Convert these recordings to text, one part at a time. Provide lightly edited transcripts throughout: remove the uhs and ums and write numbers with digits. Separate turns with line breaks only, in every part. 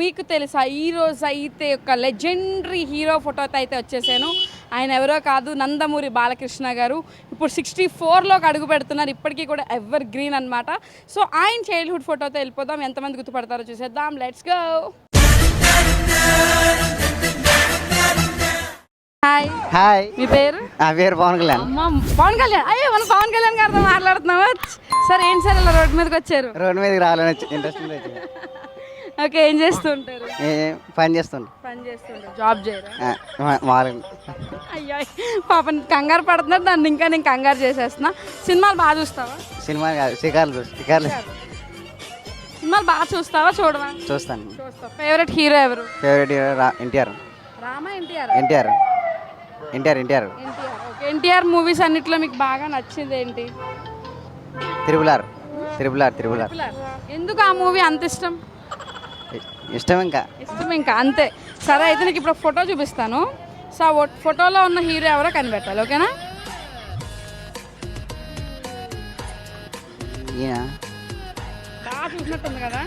మీకు తెలుసా ఈరోజు అయితే ఒక లెజెండరీ హీరో ఫోటోతో అయితే వచ్చేసాను. ఆయన ఎవరో కాదు, నందమూరి బాలకృష్ణ గారు. ఇప్పుడు 64లోకి అడుగు పెడుతున్నారు. ఇప్పటికీ కూడా ఎవర్ గ్రీన్ అనమాట. సో ఆయన చైల్డ్హుడ్ ఫోటోతో వెళ్ళిపోదాం. ఎంతమంది గుర్తుపడతారో చూసేద్దాం. Let's go. హాయ్
హాయ్,
మీ పేరు?
నా పేరు పవన్ కళ్యాణ్.
అమ్మ, పవన్ కళ్యాణ్. అయ్యో, మనం పవన్ కళ్యాణ్ గారితో మాట్లాడుతున్నావా? సార్ ఏంటి సార్ ఇలా రోడ్డు మీదకి వచ్చారు?
రోడ్డు మీదకి రావాలని ఇంట్రెస్ట్ ఉంది.
ఓకే, ఏం చేస్తుంటారు?
పని చేస్తుంటా.
పని చేస్తుంటారు, జాబ్ చేయరా?
మామూలుగా.
అయ్యో, పాపం కంగారు పడుతున్నారు. దాన్ని ఇంకా నేను కంగారు చేసేస్తున్నా. సినిమాలు బాగా చూస్తావా?
సినిమా కాదు, షికార్లు.
సినిమాలు బాగా చూస్తావా? చూడవా?
చూస్తాను.
చూస్తావు. ఫేవరెట్ హీరో ఎవరు?
Favourite hero NTR.
Rama, NTR?
NTR.
Okay, NTR movies అన్నిట్లో మీకు బాగా నచ్చింది ఏంటి?
Triple R.
ఎందుకు ఆ మూవీ అంత ఇష్టం?
ఇష్టం
ఇంకా అంతే. సరే, అయితే నీకు ఇప్పుడు ఫోటో చూపిస్తాను. సో ఆ ఫోటోలో ఉన్న హీరో ఎవరో కనిపెట్టాలి, ఓకేనా? బాగా చూసినట్టుంది కదా.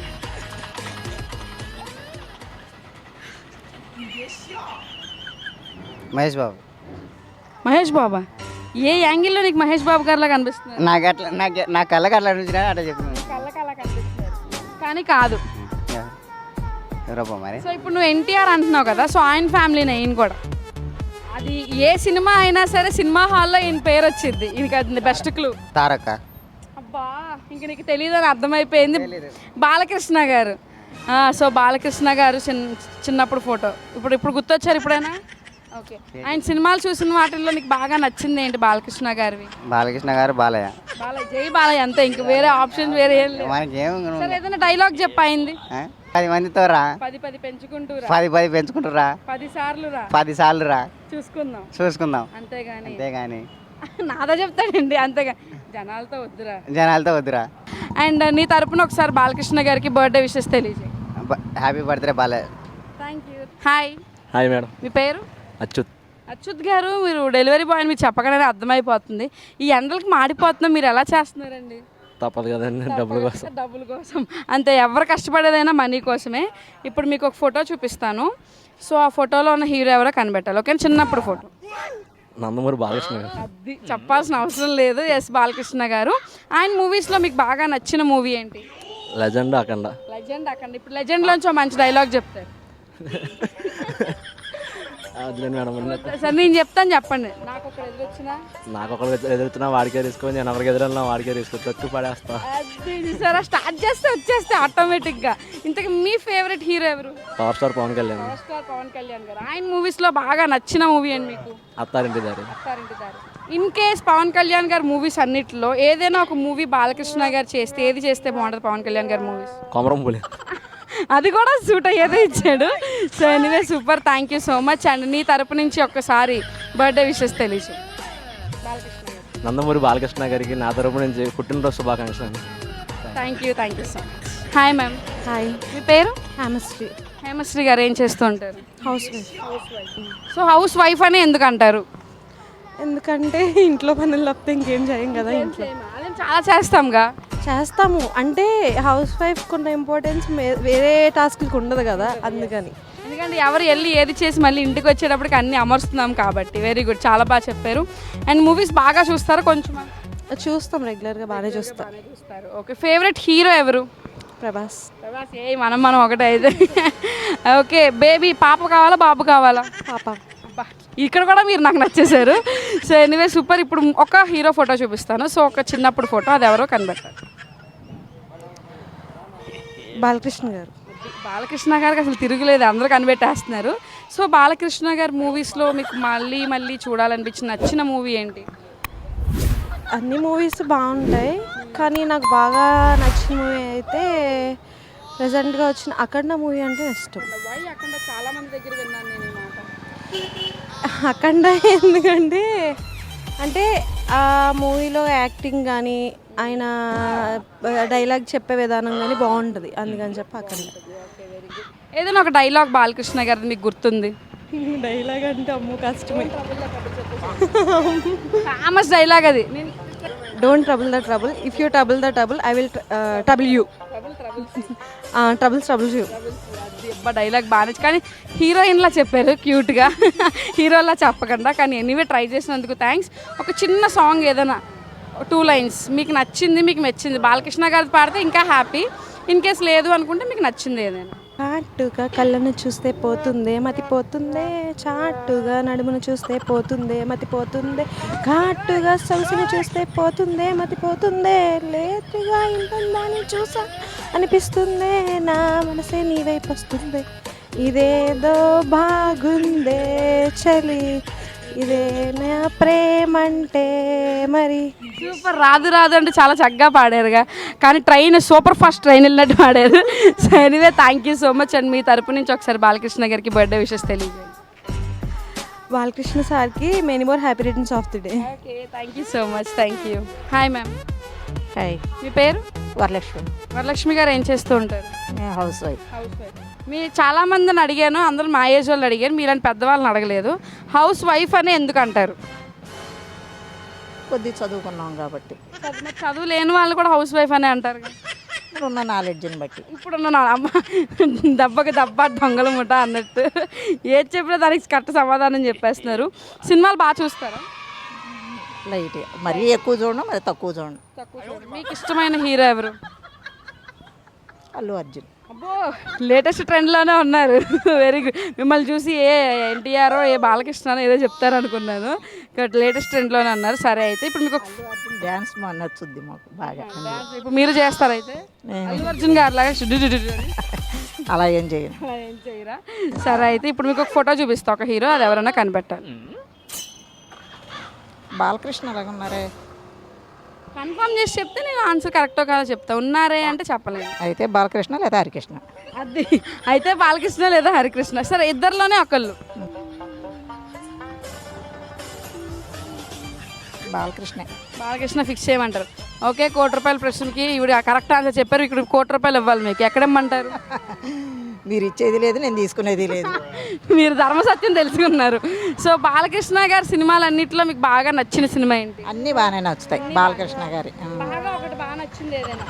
మహేష్ బాబా? ఏ యాంగిల్లో నీకు మహేష్ బాబు గారిలా కనిపిస్తుంది?
నా కళ్ళకి అట్లా అనిపించిన అట్లా చెప్తున్నాను.
కళ్ళకలా కనిపిస్తుంది కానీ కాదు.
ఎవరబ్బా మరి?
సో ఇప్పుడు నువ్వు ఎన్టీఆర్ అంటున్నావు కదా, సో ఆయన ఫ్యామిలీనే ఈయన కూడా. అది ఏ సినిమా అయినా సరే సినిమా హాల్లో ఈయన పేరు వచ్చింది. ఈయనకి అది బెస్ట్ క్లూ.
తారక.
అబ్బా, ఇంక నీకు తెలియదని అర్థమైపోయింది. బాలకృష్ణ గారు. సో బాలకృష్ణ గారు చిన్నప్పుడు ఫోటో. ఇప్పుడు గుర్తొచ్చారు ఇప్పుడైనా? ఓకే, ఆయన సినిమాలు చూసిన వాటిల్లో నీకు బాగా నచ్చింది ఏంటి బాలకృష్ణ గారివి?
బాలకృష్ణ గారు బాలయ్య.
జై బాలయ్య అంతే, ఇంక వేరే ఆప్షన్ వేరే ఏం లేదు. సరే, ఏదైనా డైలాగ్ చెప్పయింది.
10 మందితో రా,
10 పెంచుకుంటూరా,
10 పెంచుకుంటురా,
10 సార్లు రా,
చూసుకుందాం.
అంతేగాని నాదా చెప్తాడండి, అంతేగా జనాలతో వద్దురా. అండ్ నీ తరపున ఒకసారి బాలకృష్ణ గారికి బర్త్డే విషెస్ తెలియజేయి.
Happy birthday Balayya.
Thank you. Hi
madam.
మీ పేరు?
అచ్యుత్
గారు. మీరు డెలివరీ బాయ్ అని మీరు చెప్పగానే అర్థమైపోతుంది. ఈ ఎండలకు మాడిపోతున్నా, మీరు ఎలా చేస్తున్నారండి?
తప్పదు కదండి, డబ్బుల కోసం.
అంతే, ఎవరు కష్టపడేదైనా మనీ కోసమే. ఇప్పుడు మీకు ఒక ఫోటో చూపిస్తాను. సో ఆ ఫోటోలో ఉన్న హీరో ఎవరో కనిపెట్టాలి, ఓకే? చిన్నప్పుడు ఫోటో.
నందమూరి బాలకృష్ణ గారు.
అది చెప్పాల్సిన అవసరం లేదు. ఎస్, బాలకృష్ణ గారు. ఆయన మూవీస్లో మీకు బాగా నచ్చిన మూవీ ఏంటి?
లెజెండ్ అఖండ.
ఇప్పుడు లెజెండ్లోంచి మంచి డైలాగ్ చెప్తారు. సార్ నేను చెప్తాను, చెప్పండి. నాకు ఒకరు
ఎదురుతున్నా వాడికే తీసుకొని, నేను ఎవరికి ఎదురన్నా వాడికే తీసుకొని తొక్కు పడేస్తా.
అది స్టార్ట్ చేస్తే వచ్చేస్తే ఆటోమేటిక్గా. ఇంతకీ మీ ఫేవరెట్ హీరో ఎవరు?
Power star Pawan
Kalyan garu. ఆయన మూవీస్లో బాగా నచ్చిన మూవీ అండి మీకు?
అత్తారింటి దారి.
ఇన్ కేస్ పవన్ కళ్యాణ్ గారి మూవీస్ అన్నిటిలో ఏదైనా ఒక మూవీ బాలకృష్ణ గారు చేస్తే ఏది చేస్తే బాగుంటుంది? పవన్ కళ్యాణ్ గారి మూవీస్
కొమరం పులి.
అది కూడా సూట్ అయ్యేదే ఇచ్చాడు. So anyway, super, thank you so much. And నీ తరపు నుంచి ఒక్కసారి బర్త్డే విషెస్ తెలియజేయి.
నందమూరి బాలకృష్ణ గారికి నా తరపు నుంచి పుట్టినరోజు శుభాకాంక్షలు.
Thank you so much. Hi ma'am.
Hi,
మీ పేరు?
హేమశ్రీ
గారు. ఏం చేస్తూ ఉంటారు?
House wife.
So house wife అని ఎందుకు అంటారు?
ఎందుకంటే ఇంట్లో పనులు తప్పితే ఇంకేం చేయం కదా. ఇంట్లో
చాలా చేస్తాము.
అంటే హౌస్ వైఫ్ కొన్న ఇంపార్టెన్స్ వేరే టాస్క్కి ఉండదు కదా, అందుకని.
ఎందుకంటే ఎవరు వెళ్ళి ఏది చేసి మళ్ళీ ఇంటికి వచ్చేటప్పటికి అన్నీ అమరుస్తున్నాం కాబట్టి. వెరీ గుడ్, చాలా బాగా చెప్పారు. అండ్ మూవీస్ బాగా చూస్తారా? కొంచెం
చూస్తాం, రెగ్యులర్గా బాగానే చూస్తారు.
ఓకే, ఫేవరెట్ హీరో ఎవరు?
ప్రభాస్.
ఏ మనం ఒకటే అయితే. ఓకే, బేబీ పాప కావాలా బాబు కావాలా?
పాప.
ఇక్కడ కూడా మీరు నాకు నచ్చేశారు. So anyway, super. ఇప్పుడు ఒక హీరో ఫోటో చూపిస్తాను. సో ఒక చిన్నప్పుడు ఫోటో, అది ఎవరో కనిపెట్టారు. బాలకృష్ణ గారికి అసలు తిరుగులేదు, అందరూ కనిపెట్టేస్తున్నారు. సో బాలకృష్ణ గారి మూవీస్లో మీకు మళ్ళీ చూడాలనిపించిన నచ్చిన మూవీ ఏంటి?
అన్ని మూవీస్ బాగుంటాయి, కానీ నాకు బాగా నచ్చిన మూవీ అయితే ప్రెజెంట్గా వచ్చిన అఖండ మూవీ అంటే ఇష్టం.
అఖండ చాలా మంది దగ్గర విన్నాను నేను ఈ మాట.
అఖండ ఎందుకంటే అంటే ఆ మూవీలో యాక్టింగ్ కానీ ఆయన డైలాగ్ చెప్పే విధానం కానీ బాగుంటుంది, అందుకని చెప్పి అఖండ.
ఏదైనా ఒక డైలాగ్ బాలకృష్ణ గారిది మీకు గుర్తుంది?
డైలాగ్ అంటే అమ్మో కష్టమే.
ఫేమస్ డైలాగ్ అది.
Don't trouble the trouble, if you trouble the trouble I will trouble you. Troubles you.
అబ్బా డైలాగ్ బాగా నచ్చి కానీ హీరోయిన్లా చెప్పారు క్యూట్గా హీరోలా చెప్పకుండా కానీ ఎనీవే ట్రై చేసినందుకు థ్యాంక్స్. ఒక చిన్న సాంగ్ ఏదైనా 2 లైన్స్ మీకు నచ్చింది మీకు మెచ్చింది బాలకృష్ణ గారిది పాడితే ఇంకా హ్యాపీ. ఇన్ కేస్ లేదు అనుకుంటే మీకు నచ్చింది ఏదైనా.
చాటుగా కళ్ళను చూస్తే పోతుందే మతిపోతుందే, చాటుగా నడుమును చూస్తే పోతుందే మతిపోతుందే, ఘాటుగా సొగసును చూస్తే పోతుందే మతిపోతుందే, లేటుగా ఇంటుందని చూసా అనిపిస్తుందే, నా మనసే నీ వైపు వస్తుంది, ఇదేదో బాగుందే చలి, ఇదే నా ప్రేమంటే మరి.
సూపర్. రాదు రాదు అంటే చాలా చక్కగా పాడారుగా కానీ ట్రైన్ సూపర్ ఫాస్ట్ ట్రైన్ వెళ్ళినట్టు పాడారు. So anyway thank you so much. And మీ తరపు నుంచి ఒకసారి బాలకృష్ణ గారికి బర్త్డే విషెస్ తెలియజేయండి.
బాలకృష్ణ సార్కి many more happy returns of the day.
Okay thank you so much. Thank you. Hi ma'am.
Hi,
మీ పేరు?
వరలక్ష్మి.
వరలక్ష్మి గారు ఏం చేస్తూ ఉంటారు?
House wife.
House wife. మీ చాలా మందిని అడిగాను, అందరూ మా ఏజ్ వాళ్ళు అడిగాను, మీలాంటి పెద్దవాళ్ళని అడగలేదు. హౌస్ వైఫ్ అని ఎందుకు అంటారు?
కొద్ది చదువుకున్నాం కాబట్టి,
మరి చదువు లేని వాళ్ళు కూడా హౌస్ వైఫ్ అనే అంటారు కదా.
ఉన్న నాలెడ్జ్ని బట్టి.
ఇప్పుడున్న అమ్మ దెబ్బకి దెబ్బ దొంగల ముఠ అన్నట్టు ఏది చెప్పినా దానికి కరెక్ట్ సమాధానం చెప్పేస్తున్నారు. సినిమాలు బాగా చూస్తారా?
లైట్, మరీ ఎక్కువ చూడడం, మరి తక్కువ చూడడం.
మీకు ఇష్టమైన హీరో ఎవరు?
అల్లు అర్జున్.
అబ్బో లేటెస్ట్ ట్రెండ్లోనే ఉన్నారు. Very good. మిమ్మల్ని చూసి ఏ ఎన్టీఆర్ ఏ బాలకృష్ణ ఏదో చెప్తారు అనుకున్నాను, బట్ లేటెస్ట్ ట్రెండ్లోనే అన్నారు. సరే అయితే ఇప్పుడు మీకు
అల్లు అర్జున్ డ్యాన్స్ నచ్చుద్ది మాకు బాగా.
ఇప్పుడు మీరు చేస్తారైతే అల్లు అర్జున్ గారు లాగా
అలా ఏం చేయను.
అలా ఏం చేయరా? సరే అయితే ఇప్పుడు మీకు ఒక ఫోటో చూపిస్తా, ఒక హీరో, అది ఎవరైనా కనిపెట్టాలి.
బాలకృష్ణ అలాగ ఉన్నారే,
కన్ఫర్మ్ చేసి చెప్తే నేను ఆన్సర్ కరెక్టో కాదో చెప్తా. ఉన్నారే అంటే చెప్పలేను.
అయితే బాలకృష్ణ లేదా హరికృష్ణ.
అది అయితే బాలకృష్ణ లేదా హరికృష్ణ. సరే ఇద్దరిలోనే ఒకళ్ళు.
బాలకృష్ణ.
బాలకృష్ణ ఫిక్స్ చేయమంటారు. ఓకే, ₹1,00,00,000 ప్రశ్నకి ఇవిడ కరెక్ట్ ఆన్సర్ చెప్పారు. ఇక్కడ ₹1,00,00,000 ఇవ్వాలి మీకు. ఎక్కడమ్మంటారు?
మీరు ఇచ్చేది లేదు, నేను తీసుకునేది లేదు.
మీరు ధర్మసత్యం తెలుసుకున్నారు. సో బాలకృష్ణ గారి సినిమాలన్నింటిలో మీకు బాగా నచ్చిన సినిమా ఏంటి?
అన్నీ బాగానే నచ్చుతాయి బాలకృష్ణ గారి.
బాగా ఒకటి బాగా నచ్చింది ఏదైనా?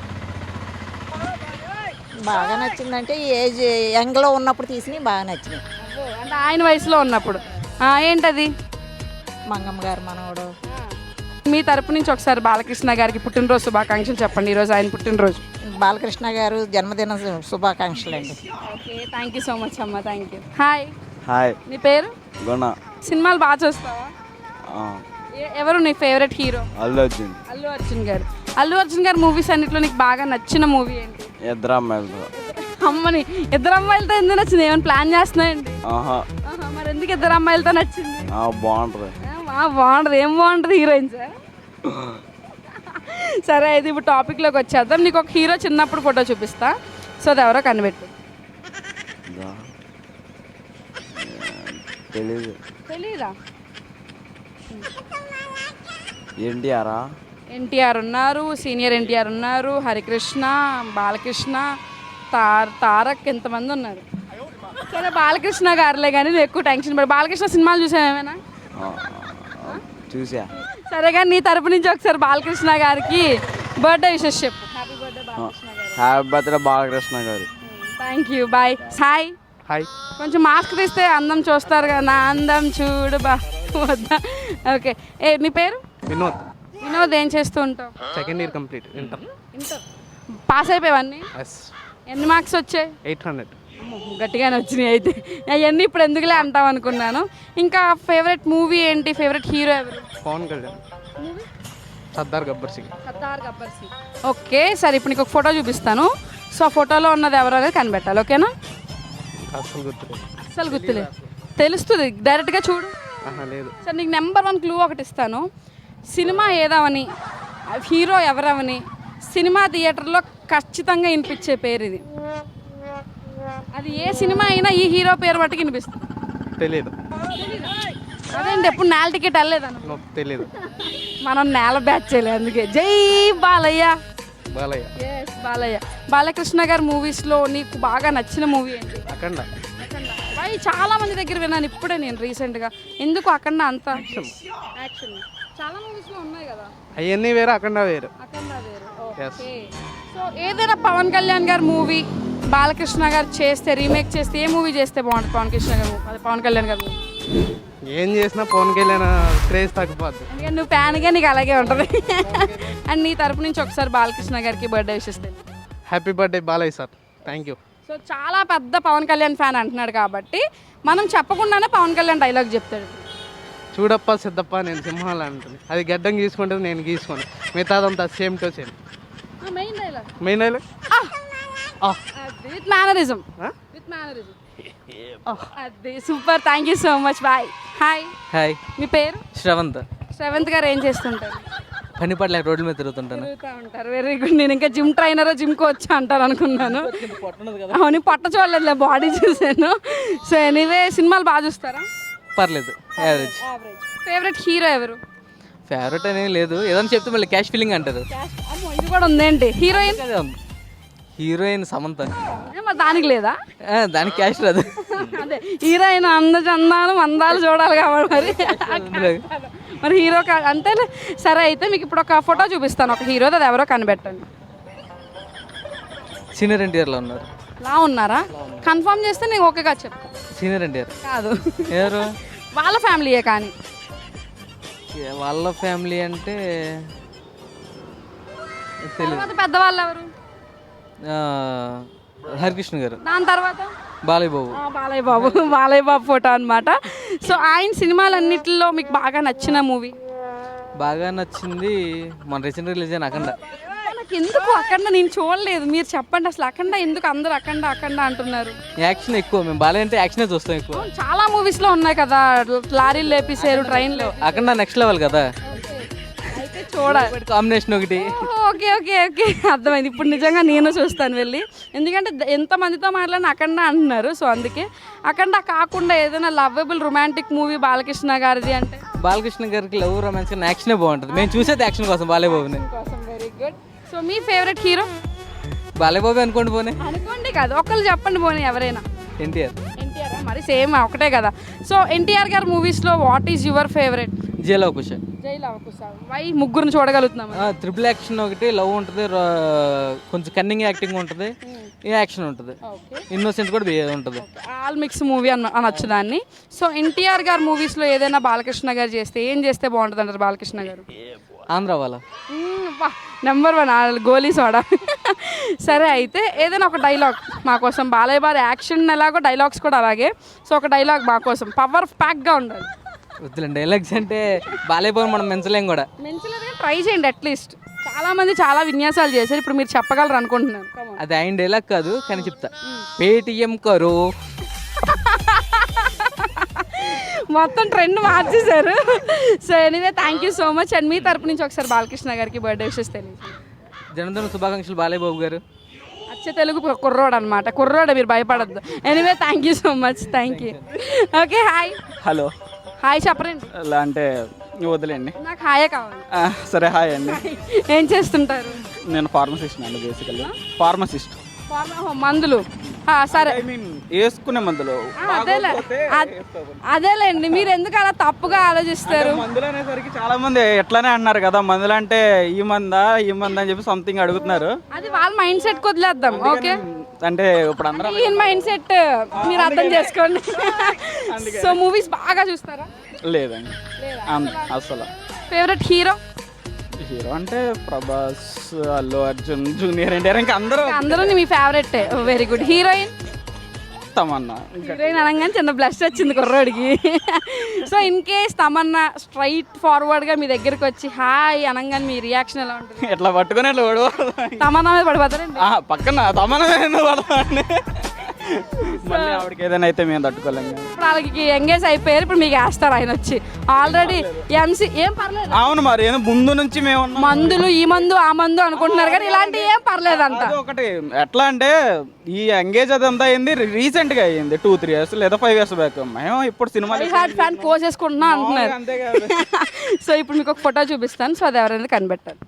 బాగా నచ్చిందంటే ఏజ్ యంగ్లో ఉన్నప్పుడు తీసినవి బాగా నచ్చినాయి.
అంటే ఆయన వయసులో ఉన్నప్పుడు ఏంటది?
మంగమ్మ గారు మనవడు.
మీ తరపు నుంచి ఒకసారి బాలకృష్ణ గారికి పుట్టినరోజు శుభాకాంక్షలు చెప్పండి. ఈరోజు ఆయన పుట్టినరోజు.
బాలకృష్ణ గారు జన్మదిన శుభాకాంక్షలు అండి.
Okay thank you so much అమ్మ. Thank you. హాయ్.
హాయ్.
నీ పేరు?
గుణ.
సినిమాలు బాగా చూస్తావా? ఎవరు నీ ఫేవరెట్ హీరో?
అల్లు అర్జున్.
అల్లు అర్జున్ గారు. అల్లు అర్జున్ గారు మూవీస్ అన్నిట్లో నీకు బాగా నచ్చిన మూవీ ఏంటి?
ఇద్దరు అమ్మాయిలు.
అమ్మని ఇద్దరు అమ్మాయిలతో ఎందుకు నచ్చింది? ఏమైనా ప్లాన్ చేస్తున్నాయండి? మరి ఎందుకు ఇద్దరు అమ్మాయిలతో నచ్చింది?
బాగుంటుంది.
బాగుంటుంది. ఏం బాగుంటుంది? హీరోయిన్స్. సరే అయితే ఇప్పుడు టాపిక్లోకి వచ్చేద్దాం. నీకు ఒక హీరో చిన్నప్పుడు ఫోటో చూపిస్తా, సో అది ఎవరో కనిపెట్టు.
తెలీదు.
తెలీదా?
ఎన్టీఆర్
ఉన్నారు, సీనియర్ ఎన్టీఆర్ ఉన్నారు, హరికృష్ణ, బాలకృష్ణ, తారక్, ఎంతమంది ఉన్నారు. సరే బాలకృష్ణ గారులే కానీ నువ్వు ఎక్కువ టెన్షన్ పడి. బాలకృష్ణ సినిమాలు చూసావు ఏమైనా?
చూసా.
సరే కానీ నీ తరపు నుంచి ఒకసారి బాలకృష్ణ గారికి బర్త్డే విషెస్ చెప్పు. Happy birthday Balakrishna garu.
Happy birthday Balakrishna garu.
Thank you. Bye. Hi.
Hi.
కొంచెం మాస్క్ తీస్తే అందం చూస్తారు కదా. నా అందం చూడు బా వద్దా? ఓకే. నీ పేరు?
వినోద్.
వినోద్. ఏం చేస్తూ ఉంటావు?
Second year complete. Inter.
Pass అయిపోయావన్నీ?
ఎస్.
ఎన్ని మార్క్స్ వచ్చాయి?
800.
గట్టిగానే వచ్చినాయి. అయితే అవన్నీ ఇప్పుడు ఎందుకులే అంటావు అనుకున్నాను. ఇంకా ఫేవరెట్ మూవీ ఏంటి? ఫేవరెట్ హీరో ఎవరు?
పవన్ కళ్యాణ్. సర్దార్ గబ్బర్ సింగ్.
సర్దార్ గబ్బర్ సింగ్. ఓకే సరే ఇప్పుడు నీకు ఒక ఫోటో చూపిస్తాను. సో ఆ ఫోటోలో ఉన్నది ఎవరు అనేది కనిపెట్టాలి. ఓకేనా?
అసలు గుర్తులేదు.
అసలు గుర్తులేదు. తెలుస్తుంది డైరెక్ట్గా చూడు.
లేదు.
సరే నీకు నెంబర్ 1 క్లూ ఒకటి ఇస్తాను. సినిమా ఏదావని, హీరో ఎవరవని సినిమా థియేటర్లో ఖచ్చితంగా వినిపించే పేరు ఇది. అది ఏ సినిమా అయినా ఈ హీరో పేరు బట్టి వినిపిస్తుంది.
తెలీదు.
అదేంటి ఎప్పుడు నేల టికెట్ వెళ్ళలేదన్న?
తెలీదు.
మనం నేల బ్యాచ్ చేయలేదు అందుకే. జై బాలయ్య.
బాలయ్య.
ఎస్ బాలయ్య. బాలకృష్ణ గారి మూవీస్లో నీకు బాగా నచ్చిన మూవీ ఏంటి?
అఖండ.
అవి చాలా మంది దగ్గర విన్నాను ఇప్పుడే నేను రీసెంట్గా. ఎందుకు అఖండ అంత యాక్షన్? చాలా మూవీస్లో ఉన్నాయి కదా.
అవన్నీ వేరు, అఖండ వేరు.
అఖండ వేరు. ఓకే. సో ఏదైనా పవన్ కళ్యాణ్ గారి మూవీ బాలకృష్ణ గారు చేస్తే రీమేక్ చేస్తే ఏ మూవీ చేస్తే బాగుంటుంది పవన్ కృష్ణ గారు అదే పవన్ కళ్యాణ్ గారు
ఏం చేసినా పవన్ కళ్యాణ్ క్రేజ్ తగ్గిపోద్ది.
ఎందుకంటే నువ్వు ఫ్యాన్గా నీకు అలాగే ఉంటుంది అండ్ నీ తరపు నుంచి ఒకసారి బాలకృష్ణ గారికి బర్త్డే విషెస్ తెలియదు.
Happy birthday Balayya sir, thank you.
So చాలా పెద్ద పవన్ కళ్యాణ్ ఫ్యాన్ అంటున్నాడు కాబట్టి మనం చెప్పకుండానే పవన్ కళ్యాణ్ డైలాగ్ చెప్తాడు.
చూడప్ప సిద్ధప్ప నేను సింహాలు అంటుంది, అది గడ్డం గీసుకుంటుంది నేను గీసుకోను, మిగతాదంతా same to same.
Main dialogue
main dialogue
with mannerism అది super. Thank you so much. Bye. Hi.
Hi,
మీ పేరు?
శ్రవంత్.
శ్రవంత్ గారు ఏం చేస్తుంటారు?
పని పడలేక రోడ్ల మీద తిరుగుతుంటాను.
తిరుగుతూ ఉంటారు. Very good. నేను ఇంకా జిమ్ ట్రైనర్ జిమ్ కోచ్ అంటారు అనుకున్నాను. అవును, పొట్ట చూడలేదు, బాడీ చూసాను. సో ఎనీవే సినిమాలు బాగా చూస్తారా?
పర్లేదు, యావరేజ్.
ఫేవరెట్ హీరో ఎవరు?
ఫేవరెట్ అనేది లేదు, ఏదైనా చెప్తే మళ్ళీ క్యాష్ ఫీలింగ్ అంటారు.
అమ్మో, ఇది కూడా ఉందేంటి? హీరోయిన్?
హీరోయిన్ సమంత.
మరి దానికి లేదా?
దానికి క్యాష్ రాదు.
అదే హీరోయిన్ అందచందాలు మందాలు చూడాలి కాబట్టి మరి హీరో అంటే సరే. అయితే మీకు ఇప్పుడు ఒక ఫోటో చూపిస్తాను ఒక హీరో, అది ఎవరో కనిపెట్టండి.
సీనియర్ ఎన్టీఆర్లో ఉన్నారు.
లా ఉన్నారా? కన్ఫర్మ్ చేస్తే నేను ఓకేగా చెప్తాను.
సీనియర్ ఎన్టీఆర్
కాదు,
ఎవరు?
వాళ్ళ ఫ్యామిలీయే. కానీ
వాళ్ళ ఫ్యామిలీ అంటే
తర్వాత పెద్దవాళ్ళు ఎవరు?
హరికృష్ణ గారు.
దాని తర్వాత
బాలయ్య బాబు.
బాలయ్య బాబు ఫోటో అనమాట. సో ఆయన సినిమాలన్నిటిలో మీకు బాగా నచ్చిన మూవీ?
బాగా నచ్చింది మన రీసెంట్ రిలీజ్ అయిన అఖండ.
నాకు ఎందుకు అఖండ నేను చూడలేదు, మీరు చెప్పండి అసలు అఖండ ఎందుకు అందరూ అఖండ అఖండ అంటున్నారు?
యాక్షన్ ఎక్కువ, మేము బాలయ్య అంటే యాక్షనే చూస్తాం ఎక్కువ.
చాలా మూవీస్ లో ఉన్నాయి కదా, లారీలు లేపేసారు, ట్రైన్లో.
అఖండ నెక్స్ట్ లెవెల్ కదా,
అయితే చూడాలి.
కాంబినేషన్ ఒకటి.
ఓకే ఓకే ఓకే అర్థమైంది. ఇప్పుడు నిజంగా నేను చూస్తాను వెళ్ళి, ఎందుకంటే ఎంతమందితో మాట్లాడిన అఖండ అంటున్నారు. సో అందుకే అఖండ కాకుండా ఏదైనా లవ్వబుల్ రొమాంటిక్ మూవీ బాలకృష్ణ గారిది అంటే?
బాలకృష్ణ గారికి లవ్ రొమాన్స్ కానీ యాక్షనే బాగుంటుంది, మేము చూసేది యాక్షన్ కోసం బాలయ్య బాబుని.
Very good. సో మీ ఫేవరెట్ హీరో?
బాలయ్య బాబు అనుకోండి పోనీ.
అనుకోండి కాదు, ఒకళ్ళు చెప్పండి పోనీ, ఎవరైనా.
ఎన్టీఆర్.
ఎన్టీఆర్ మరి సేమ్ ఒకటే కదా. సో ఎన్టీఆర్ గారి మూవీస్లో what is your favourite?
Jai Lava Kusa.
Jai Lava Kusa. Why? ముగ్గురిని చూడగలుగుతున్నాం.
ట్రిపుల్ యాక్షన్ ఒకటి, లవ్ ఉంటుంది, కొంచెం కన్నింగ్ యాక్టింగ్ ఉంటుంది, యాక్షన్ ఉంటుంది, ఇన్నోసెంట్ కూడా ఉంటుంది.
ఆల్ మిక్స్ మూవీ అనొచ్చు దాన్ని. సో ఎన్టీఆర్ గారి మూవీస్లో ఏదైనా బాలకృష్ణ గారు చేస్తే ఏం చేస్తే బాగుంటుంది అంటారు బాలకృష్ణ గారు?
ఆంధ్ర వాళ్ళ
నెంబర్ 1 గోలీ సోడా. సరే అయితే ఏదైనా ఒక డైలాగ్ మా కోసం. బాలయ్య బాబు యాక్షన్ ఎలాగో డైలాగ్స్ కూడా అలాగే. సో ఒక డైలాగ్ మా కోసం పవర్ ప్యాక్గా ఉండాలి.
వద్దులేండి డైలాగ్స్ అంటే బాలయ్య బాబు మనం మెంచలేం కూడా.
మెంచలేదుగా ట్రై చేయండి అట్లీస్ట్. చాలా మంది చాలా విన్యాసాలు చేశారు, ఇప్పుడు మీరు చెప్పగలరు అనుకుంటున్నాను.
అది ఆయన డైలాగ్ కాదు కానీ చెప్తా. పేటిఎం కరో.
మొత్తం ట్రెండ్ మార్చేశారు. So anyway thank you so much. And మీ తరపు నుంచి ఒకసారి బాలకృష్ణ గారికి బర్త్డే విషెస్ తెలియదు.
జన్మదిన శుభాకాంక్షలు బాలయ్య బాబు గారు.
అచ్చ తెలుగు కుర్రోడు అనమాట, కుర్రోడు, మీరు భయపడద్దు. Anyway thank you so much. Thank you. Okay hi.
Hello.
Hi చెప్పరండి.
ఇలా అంటే వదిలేండి.
నాకు హాయే కావాలి.
సరే హాయ్ అండి.
ఏం చేస్తుంటారు?
నేను ఫార్మసిస్ట్ అండి, బేసికల్లీ ఫార్మసిస్ట్.
మందులు సరే
ఐ మీన్ వేసుకునే మందులు.
అదేలేండి, మీరు ఎందుకు అలా తప్పుగా ఆలోచిస్తారు?
మందులు అనేసరికి చాలా మంది ఎట్లానే అన్నారు కదా, మందులు అంటే ఈ మందా అని చెప్పి సంథింగ్ అడుగుతున్నారు.
అది వాళ్ళ మైండ్ సెట్ వదిలేద్దాం. ఓకే,
అంటే ఇప్పుడు అందరూ
ఈ మైండ్ సెట్ మీరు అర్థం చేసుకోండి. సో మూవీస్ బాగా చూస్తారా?
లేదండి అసలు.
Favourite hero?
హీరో అంటే ప్రభాస్, అల్లు అర్జున్, జూనియర్ ఎన్టీఆర్, ఇంకా
అందరూ మీ favourite. Very good. Heroine?
Tamannaah.
Heroine అనగానే చిన్న బ్లష్ వచ్చింది కుర్రోడికి. So in case Tamannaah straight ఫార్వర్డ్గా మీ దగ్గరికి వచ్చి హాయ్ అనగానే మీ రియాక్షన్ ఎలా ఉంటుంది?
ఎట్లా పట్టుకుని ఎట్లా
తమన్నా మీద పడిపోతారండి?
పక్కన తమన్నా పడతాండి. మళ్ళీ ఆవిడకి ఏదైనా అయితే మేము తట్టుకోలేము.
ఇప్పుడు వాళ్ళకి ఎంగేజ్ అయిపోయారు, ఇప్పుడు మీకు వేస్తారు ఆయన వచ్చి. ఆల్రెడీ ఎంసీ ఏం పర్లేదు.
అవును, మరి ఏదో ముందు నుంచి మేము
మందులు ఈ మందు ఆ మందు అనుకుంటున్నారు కానీ ఇలాంటి ఏం పర్లేదు అంట.
ఒకటి ఎట్లా అంటే ఈ ఎంగేజ్ అదంతా అయింది రీసెంట్ గా అయ్యింది, 2-3 years లేదా 5 years బ్యాక్. మేము ఇప్పుడు సినిమా
ఫ్యాన్ పోసేసుకుంటున్నా అంటున్నారు. సో ఇప్పుడు మీకు ఒక ఫోటో చూపిస్తాను, సో అది ఎవరైనా కనిపెట్టారు.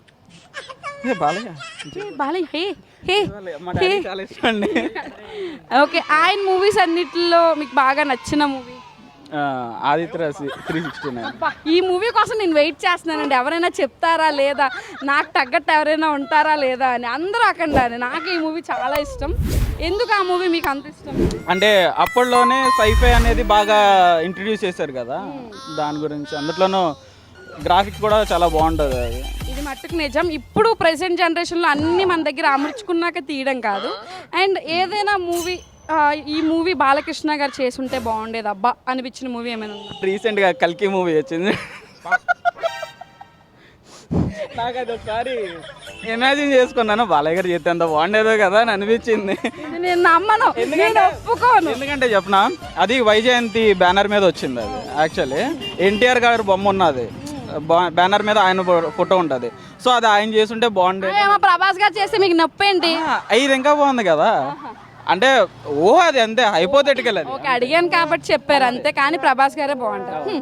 ఓకే, ఆయన మూవీస్ అన్నిటిలో మీకు బాగా నచ్చిన మూవీ?
ఆదిత్య 369.
ఈ మూవీ కోసం నేను వెయిట్ చేస్తున్నానండి, ఎవరైనా చెప్తారా లేదా, నాకు తగ్గట్టు ఎవరైనా ఉంటారా లేదా అని. అందరూ అక్కడ నాకు ఈ మూవీ చాలా ఇష్టం. ఎందుకు ఆ మూవీ మీకు అంత ఇష్టం?
అంటే అప్పట్లోనే సైఫై అనేది బాగా ఇంట్రడ్యూస్ చేశారు కదా, దాని గురించి. అందులోనూ గ్రాఫిక్స్ కూడా చాలా బాగుంటుంది అది.
ఇది మట్టుకు నిజం. ఇప్పుడు ప్రెసెంట్ జనరేషన్లో అన్నీ మన దగ్గర అమర్చుకున్నాక తీయడం కాదు. అండ్ ఏదైనా మూవీ ఈ మూవీ బాలకృష్ణ గారు చేసుంటే బాగుండేది అబ్బా అనిపించిన మూవీ ఏమైనా ఉందా?
రీసెంట్గా కల్కి మూవీ వచ్చింది, నాకు అది ఒకసారి ఇమాజిన్ చేసుకున్నాను, బాలయ్య గారు చేస్తే అంత బాగుండేదో కదా అని అనిపించింది.
నేను నమ్మను, నేను ఒప్పుకోను.
ఎందుకంటే చెప్పిన అది వైజయంతి బ్యానర్ మీద వచ్చింది. అది యాక్చువల్లీ ఎన్టీఆర్ గారు బొమ్మ ఉన్నది బ్యానర్ మీద, ఆయన ఫోటో ఉంటుంది. సో అది ఆయన చేస్తుంటే బాగుండేది.
ఏమో ప్రభాస్ గారు చేస్తే మీకు నొప్పి ఏంటి?
ఇది ఇంకా బాగుంది కదా, అంటే అది అంతే హైపోథెటికల్. అది
ఓకే, అడిగాను కాబట్టి చెప్పారు అంతే, కానీ ప్రభాస్ గారే బాగుంటారు.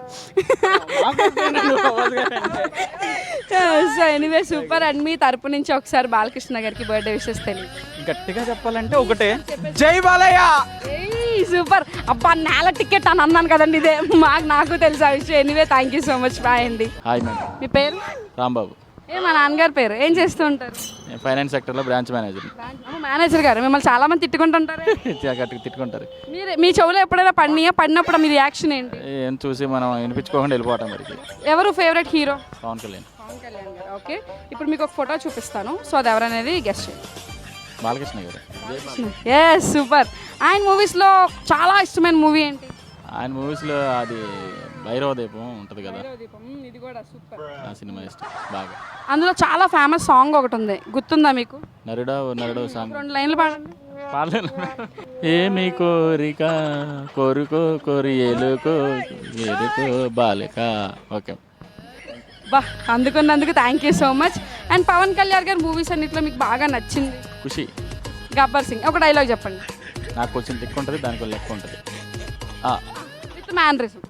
So anyway super. అండ్ మీ తరపు నుంచి ఒకసారి బాలకృష్ణ గారికి బర్త్డే విషెస్ తెలియదు.
గట్టిగా చెప్పాలంటే ఒకటే, జై బాలయ్య.
సూపర్. అబ్బా నేల టికెట్ అని అన్నాను కదండి, ఇదే నాకు తెలుసు ఆ విషయం. Anyway thank you so much. Bye అండి.
Hi madam.
మీ పేరు?
రాంబాబు.
మా నాన్నగారి పేరు. ఏం చేస్తూ ఉంటారు?
ఫైనాన్స్ సెక్టర్లో బ్రాంచ్ మేనేజర్.
మేనేజర్ గారు మిమ్మల్ని చాలా మంది తిట్టుకుంటుంటారు.
తిట్టుకుంటారు.
మీ చెవులో ఎప్పుడైనా పడినప్పుడు మీ రియాక్షన్ ఏంటి?
ఏం చూసి మనం వినిపించుకోకుండా వెళ్ళిపోవటం మరికి.
ఎవరు favourite hero?
Pawan Kalyan.
Okay, ఇప్పుడు మీకు ఒక ఫోటో చూపిస్తాను, సో అది ఎవరనేది గెస్ట్ చేయండి.
బాలకృష్ణ గారు.
Yes super. ఆయన మూవీస్లో చాలా ఇష్టమైన మూవీ ఏంటి?
ఆయన మూవీస్లో అది భైరవ దీపం ఉంటుంది కదా,
ఇది కూడా సూపర్.
ఆ సినిమా ఇష్టం బాగా.
అందులో చాలా ఫేమస్ సాంగ్ ఒకటి ఉంది, గుర్తుందా మీకు?
నరుడా నరుడు సాంగ్.
2 లైన్లు పాడండి.
పాడలేను. ఏమి కోరిక కోరుకో కోరి ఏలుకో ఏలుకో బాలిక. ఓకే
బా, అందుకున్నందుకు thank you so much. And Pawan Kalyan గారి మూవీస్ అన్నిట్లో మీకు బాగా నచ్చింది?
ఖుషి.
గబ్బర్ సింగ్. ఒక డైలాగ్ చెప్పండి.
నాకు కొంచెం తిక్కు ఉంటుంది, దానికి లెక్క ఉంటుంది.
With mannerism.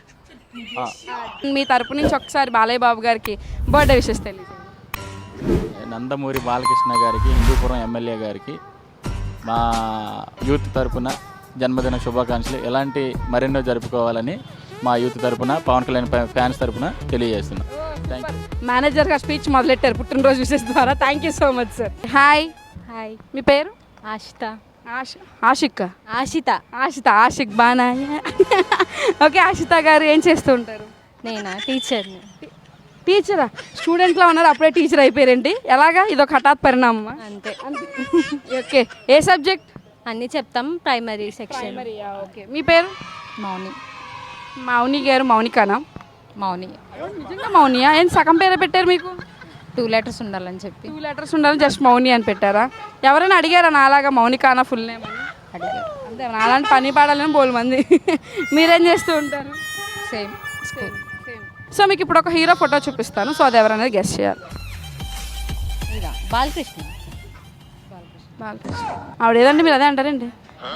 మీ తరపు నుంచి ఒకసారి బాలయ్య బాబు గారికి బర్త్డే విషెస్ తెలియదు.
నందమూరి బాలకృష్ణ గారికి, హిందూపురం ఎమ్మెల్యే గారికి మా యూత్ తరపున జన్మదిన శుభాకాంక్షలు. ఎలాంటి మరెన్నో జరుపుకోవాలని మా యూత్ తరపున, పవన్ కళ్యాణ్ ఫ్యాన్స్ తరపున తెలియజేస్తున్నాం. Thank you.
మేనేజర్ గారు స్పీచ్ మొదలెట్టారు పుట్టినరోజు విషెస్ ద్వారా. Thank you so much sir. Hi.
Hi.
మీ పేరు?
ఆశిత.
ఆషిక్. ఆషిక్ బాగా. ఓకే, ఆషిత గారు ఏం చేస్తూ ఉంటారు?
నేనా? టీచర్ని.
టీచరా? స్టూడెంట్లో ఉన్నారు, అప్పుడే టీచర్ అయిపోయారండి. ఎలాగా? ఇదొక హఠాత్ పరిణామమా?
అంతే.
ఓకే, ఏ సబ్జెక్ట్?
అన్నీ చెప్తాం, ప్రైమరీ సెక్షన్.
ఓకే, మీ పేరు?
మౌని.
మౌని గారు. మౌనికానా?
మౌని.
నిజంగా మౌనియా? ఏం సగం పేరే పెట్టారు మీకు?
2 letters ఉండాలని చెప్పి.
2 letters ఉండాలని జస్ట్ మౌని అని పెట్టారా? ఎవరైనా అడిగారా నాలాగా మౌనికానా ఫుల్ నేమ్ అని?
అడిగారు.
అంతే, అలాంటి పని పాడాలని బోలు మంది. మీరేం చేస్తూ ఉంటారు?
Same school.
సో మీకు ఇప్పుడు ఒక హీరో ఫోటో చూపిస్తాను, సో అది ఎవరనేది గెస్ట్ చేయాలి.
ఇదా బాలకృష్ణ.
బాలకృష్ణ. ఆవిడ ఏదండి, మీరు అదే అంటారండి?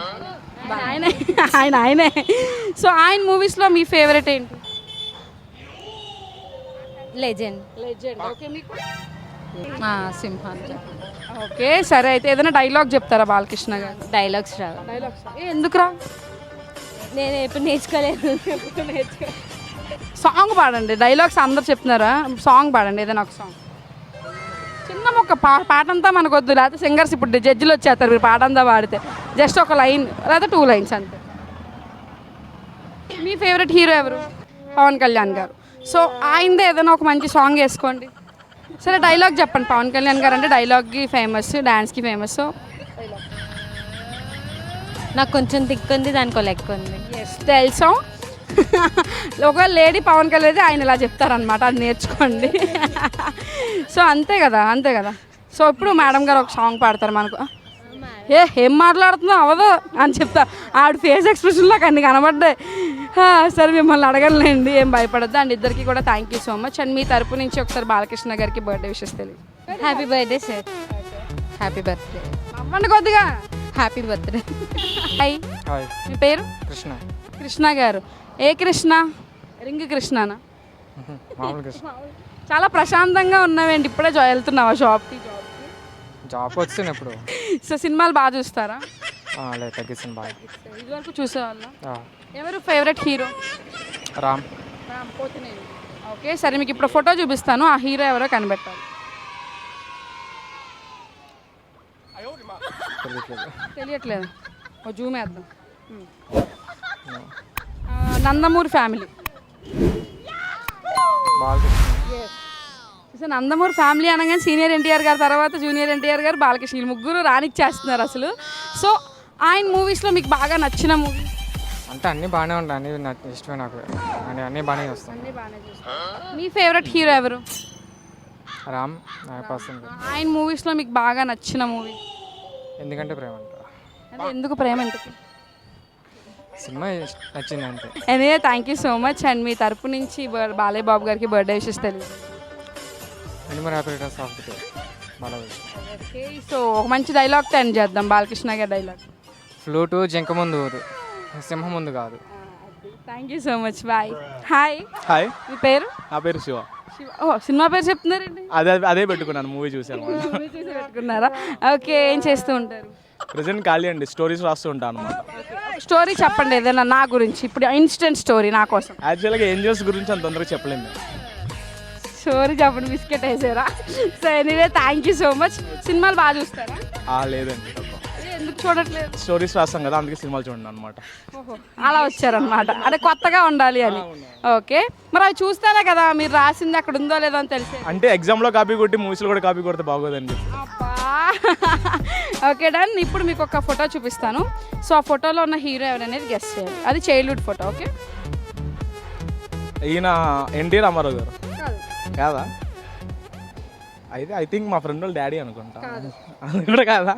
ఆయనే. సో ఆయన మూవీస్లో మీ ఫేవరెట్ ఏంటి?
లెజెండ్.
ఓకే, మీకు?
సింహాద్రి.
ఓకే సరే, అయితే ఏదైనా డైలాగ్ చెప్తారా బాలకృష్ణ గారు?
డైలాగ్స్ రావు.
ఎందుకు రా?
నేను ఎప్పుడు నేర్చుకోలేదు.
సాంగ్ పాడండి. డైలాగ్స్ అందరు చెప్తున్నారా? సాంగ్ పాడండి, ఏదైనా ఒక సాంగ్. చిన్న మొక్క పాట అంతా మనకు వద్దు, లేకపోతే సింగర్స్ ఇప్పుడు జడ్జిలు వచ్చేస్తారు మీరు పాట అంతా పాడితే. జస్ట్ ఒక లైన్ లేకపోతే 2 lines అంతే. మీ ఫేవరెట్ హీరో ఎవరు? పవన్ కళ్యాణ్ గారు. సో ఆయనదే ఏదైనా ఒక మంచి సాంగ్ వేసుకోండి. సరే, డైలాగ్ చెప్పండి. పవన్ కళ్యాణ్ గారు అంటే డైలాగ్కి ఫేమస్, డాన్స్కి ఫేమస్. సో
నాకు కొంచెం తిక్కుంది, దానికి లెక్క ఉంది.
ఎస్ తెలుసు. ఒక లేడీ పవన్ కళ్యాణ్ అయితే ఆయన ఇలా చెప్తారనమాట, అది నేర్చుకోండి. సో అంతే కదా. సో ఇప్పుడు మేడం గారు ఒక సాంగ్ పాడతారు మనకు. ఏం మాట్లాడుతున్నావు అవదు అని చెప్తా. ఆవిడ ఫేస్ ఎక్స్ప్రెషన్లో అన్ని కనబడ్డాయి. సరే, మిమ్మల్ని అడగలేండి, ఏం భయపడద్దు. అండ్ ఇద్దరికి కూడా thank you so much. And మీ తరపు నుంచి ఒకసారి బాలకృష్ణ గారికి బర్త్డే విషెస్ తెలియదు.
Happy birthday sir. Happy birthday.
అవ్వండి కొద్దిగా.
Happy birthday.
హాయ్. మీ పేరు? కృష్ణ గారు. ఏ కృష్ణ? రింగ్ కృష్ణనా? చాలా ప్రశాంతంగా ఉన్నావేంటి, ఇప్పుడే వెళ్తున్నావా షాప్కి?
జాబ్ వచ్చింది ఇప్పుడు.
సో సినిమాలు బాగా చూస్తారా?
తగ్గిస్తుంది బాగా.
ఇదివరకు చూసేవాళ్ళ. ఎవరు favourite hero?
Ram.
Pothineni. Okay సరే, మీకు ఇప్పుడు ఫోటో చూపిస్తాను, ఆ హీరో ఎవరో కనిపెట్టాలి.
తెలియట్లేదు.
తెలియట్లేదు. ఓ జూమ్ వేద్దాం. Nandamuri family. So Nandamuri family అనగానే సీనియర్ ఎన్టీఆర్ గారి తర్వాత జూనియర్ ఎన్టీఆర్ గారు, బాలకృష్ణ, వీళ్ళు ముగ్గురు రానిచ్చేస్తున్నారు అసలు. సో ఆయన మూవీస్లో మీకు బాగా నచ్చిన మూవీ?
అంటే అన్నీ బాగానే ఉంటాయి, అన్నీ ఇష్టమే నాకు, అంటే అన్నీ బాగానే వస్తాయి.
అన్నీ బాగానే చూస్తాను. మీ ఫేవరెట్ హీరో ఎవరు?
రామ్ నా పర్సన్.
ఆయన మూవీస్లో మీకు బాగా నచ్చిన మూవీ?
ఎందుకంటే ప్రేమ అంట.
అంటే ఎందుకు ప్రేమ? ఎందుకు?
సినిమా నచ్చింది అంతే.
Anyway thank you so much. And మీ తరపు నుంచి బాలయ్య బాబు గారికి బర్త్డే విషెస్ తెలియదు.
అండ్ మరి happy returns of the day Balayya.
Okay, so ఒక మంచి డైలాగ్తో ఎండ్ చేద్దాం. బాలకృష్ణ గారి డైలాగ్.
ఫ్లూటు జింక ముందు ఊరు, సింహం ముందు కాదు.
Thank you so much. Bye. Hi.
Hi,
మీ పేరు?
నా పేరు శివ.
ఓ సినిమా పేరు చెప్తున్నారండి.
అదే పెట్టుకున్నాను, మూవీ చూసాను.
మూవీ చూసి పెట్టుకున్నారా? ఓకే, ఏం చేస్తూ ఉంటారు?
ప్రజెంట్ ఖాళీ అండి, స్టోరీస్ రాస్తూ ఉంటాను అనమాట.
స్టోరీ చెప్పండి ఏదైనా నా గురించి, ఇప్పుడు ఇన్స్టెంట్ స్టోరీ నా కోసం.
యాక్చువల్గా ఏంజల్స్ గురించి అంత తొందరగా చెప్పలేము మేము.
స్టోరీ చెప్పండి, బిస్కెట్ వేసారా? So anyway thank you so much. సినిమాలు బాగా చూస్తారా?
లేదండి,
ఎందుకు చూడట్లేదు?
స్టోరీస్ రాస్తాం కదా, అందుకే సినిమాలు చూడండి అనమాట.
ఓహో, అలా వచ్చారనమాట. అంటే కొత్తగా ఉండాలి అని. ఓకే, మరి అవి చూస్తేనే కదా మీరు రాసింది అక్కడ ఉందో లేదో అని తెలిసే.
అంటే ఎగ్జామ్లో కాపీ కొట్టి మూవీస్లో కూడా కాపీ కొడితే బాగోదండి.
Okay done. ఇప్పుడు మీకు ఒక ఫోటో చూపిస్తాను. సో ఆ ఫోటోలో ఉన్న హీరో ఎవరనేది గెస్ట్ చేయాలి. అది చైల్డ్హుడ్ ఫోటో. ఓకే,
ఈయన ఎన్టీ రామారావు గారు కాదా? అయితే ఐ థింక్ మా ఫ్రెండ్ వాళ్ళ డాడీ అనుకుంటా. అది కూడా కాదా?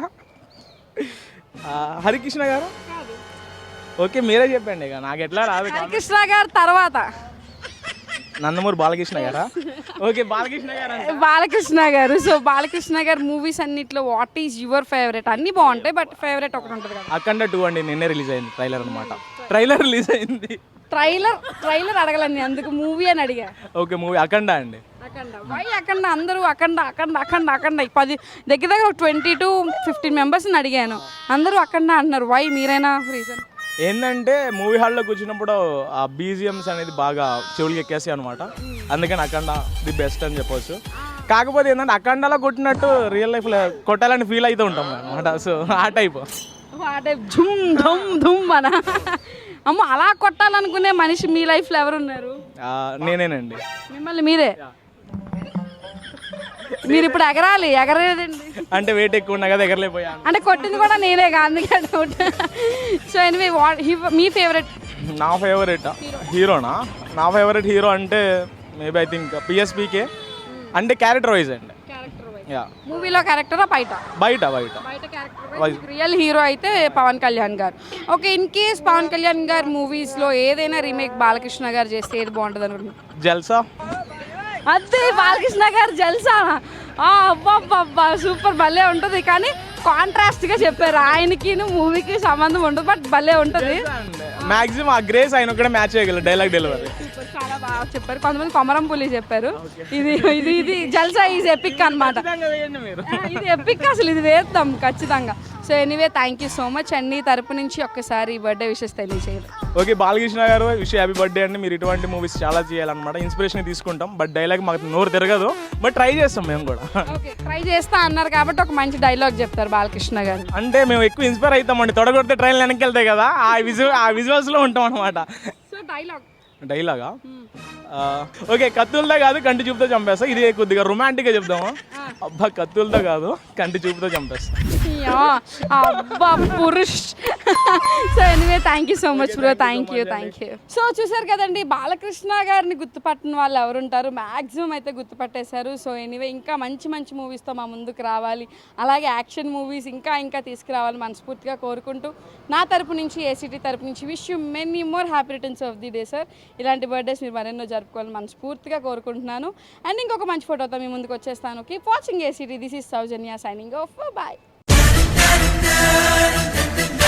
హరికృష్ణ గారు? ఓకే, మీరే చెప్పండి, ఇక నాకు ఎట్లా రాదు.
హరికృష్ణ గారు తర్వాత
నందమూరి బాలకృష్ణ గారా? ఓకే, బాలకృష్ణ గారు.
బాలకృష్ణ గారు. సో బాలకృష్ణ గారు మూవీస్ అన్నిట్లో వాట్ ఈజ్ యువర్ ఫేవరెట్? అన్నీ బాగుంటాయి, బట్ ఫేవరెట్ ఒకటి ఉంటుంది కదా.
అఖండ 2 అండి, నిన్నే రిలీజ్ అయింది ట్రైలర్ అనమాట. ట్రైలర్ రిలీజ్ అయింది.
ట్రైలర్ అడగలండి, అందుకు మూవీ అని అడిగా.
ఓకే, మూవీ అఖండ అండి.
అఖండ. వై అఖండ? అందరూ అఖండ అఖండ అఖండ అఖండ 10 దగ్గర 20 to 15 మెంబర్స్ని అడిగాను, అందరూ అఖండ అంటున్నారు. వై? మీరైనా రీజన్
ఏంటంటే మూవీ హాల్లో కూర్చున్నప్పుడు ఆ బీజిఎమ్స్ అనేది బాగా చెవులకి ఎక్కేసాయి అనమాట. అందుకని అఖండ ది బెస్ట్ అని చెప్పొచ్చు. కాకపోతే ఏంటంటే అఖండలో కొట్టినట్టు రియల్ లైఫ్లో కొట్టాలని ఫీల్ అవుతూ ఉంటాం అనమాట. సో ఆ టైప్
ఝుమ్ ధుమ్ ధుమ్ మన అమ్మ అలా కొట్టాలనుకునే మనిషి మీ లైఫ్లో ఎవరున్నారు?
నేనేనండి.
మిమ్మల్ని మీరే. మీరు ఇప్పుడు ఎగరాలి, ఎగరేదండి.
అంటే వెయిట్ ఎక్కువ ఉన్నా కదా, ఎగరలేకపోయాను.
అంటే కొట్టింది కూడా నేనే అందుకే డౌట్. సో ఎనివే మీ ఫేవరెట్?
నా ఫేవరెట్ హీరోనా? నా ఫేవరెట్ హీరో అంటే మేబీ ఐ థింక్ పిఎస్పీకే. అంటే క్యారెక్టర్ వైజ్ అండి.
మూవీలో క్యారెక్టరా బయట క్యారెక్టర్? రియల్ హీరో అయితే పవన్ కళ్యాణ్ గారు. Okay, in case Pawan Kalyan గారు మూవీస్లో ఏదైనా రీమేక్ బాలకృష్ణ గారు చేస్తే ఏది బాగుంటుంది అనుకుంటున్నారు?
జల్సా.
అదే బాలకృష్ణ గారు జల్సా. అబ్బా సూపర్, భలే ఉంటుంది. కానీ కాంట్రాస్ట్గా చెప్పారు, ఆయనకి మూవీకి సంబంధం ఉండదు, బట్ భలే ఉంటుంది.
మాక్సిమం ఆ గ్రేస్ ఆయన కూడా మ్యాచ్ చేయగలరు డైలాగ్ డెలివరీ.
చాలా బాగా చెప్పారు. కొంతమంది కొమరం పులి చెప్పారు. ఇది జల్సా ఈజ్ ఎపిక్ అనమాట. ఇది ఎపిక్, అసలు ఇది వేద్దాం ఖచ్చితంగా. So anyway thank you so much. అండి తరపు నుంచి ఒక్కసారి బర్త్డే విషెస్ తెలియజేయాలి.
ఓకే, బాలకృష్ణ గారు విష్ హ్యాపీ బర్త్డే అండి. మీరు ఇటువంటి మూవీస్ చాలా చేయాలన్నమాట. ఇన్స్పిరేషన్ తీసుకుంటాం, బట్ డైలాగ్ మాకు నోరు తిరగదు, బట్ ట్రై చేస్తాం మేము కూడా.
ఓకే, ట్రై చేస్తా అన్నారు కాబట్టి ఒక మంచి డైలాగ్ చెప్తారు బాలకృష్ణ గారు.
అంటే మేము ఎక్కువ ఇన్స్పైర్ అవుతామండి, తొడగొడితే ట్రైన్ వెనక్కి వెళ్తాయి కదా, ఆ విజువల్స్లో ఉంటాం అనమాట.
సో
డైలాగా? ఓకే, కత్తులతో కాదు కంటి చూపుతో చంపేస్తా. ఇది కొద్దిగా రొమాంటిక్గా చెప్దాము. అబ్బా, కత్తులతో కాదు కంటి చూపుతో చంపేస్తా.
అబ్బా పురుష్. So anyway thank you so much bro. Thank you. So చూసారు కదండి, బాలకృష్ణ గారిని గుర్తుపట్టిన వాళ్ళు ఎవరుంటారు? మ్యాక్సిమం అయితే గుర్తుపట్టేశారు. సో ఎనీవే ఇంకా మంచి మంచి మూవీస్తో మా ముందుకు రావాలి, అలాగే యాక్షన్ మూవీస్ ఇంకా తీసుకురావాలి మనస్ఫూర్తిగా కోరుకుంటూ నా తరపు నుంచి, ఏసీటీ తరపు నుంచి wish you many more happy returns of the day sir. ఇలాంటి బర్త్డేస్ మీరు మరెన్నో జరుపుకోవాలని మనస్ఫూర్తిగా కోరుకుంటున్నాను. అండ్ ఇంకొక మంచి ఫోటోతో మీ ముందుకు వచ్చేస్తాను. Keep watching ACT. This is Soujanya signing off. Bye.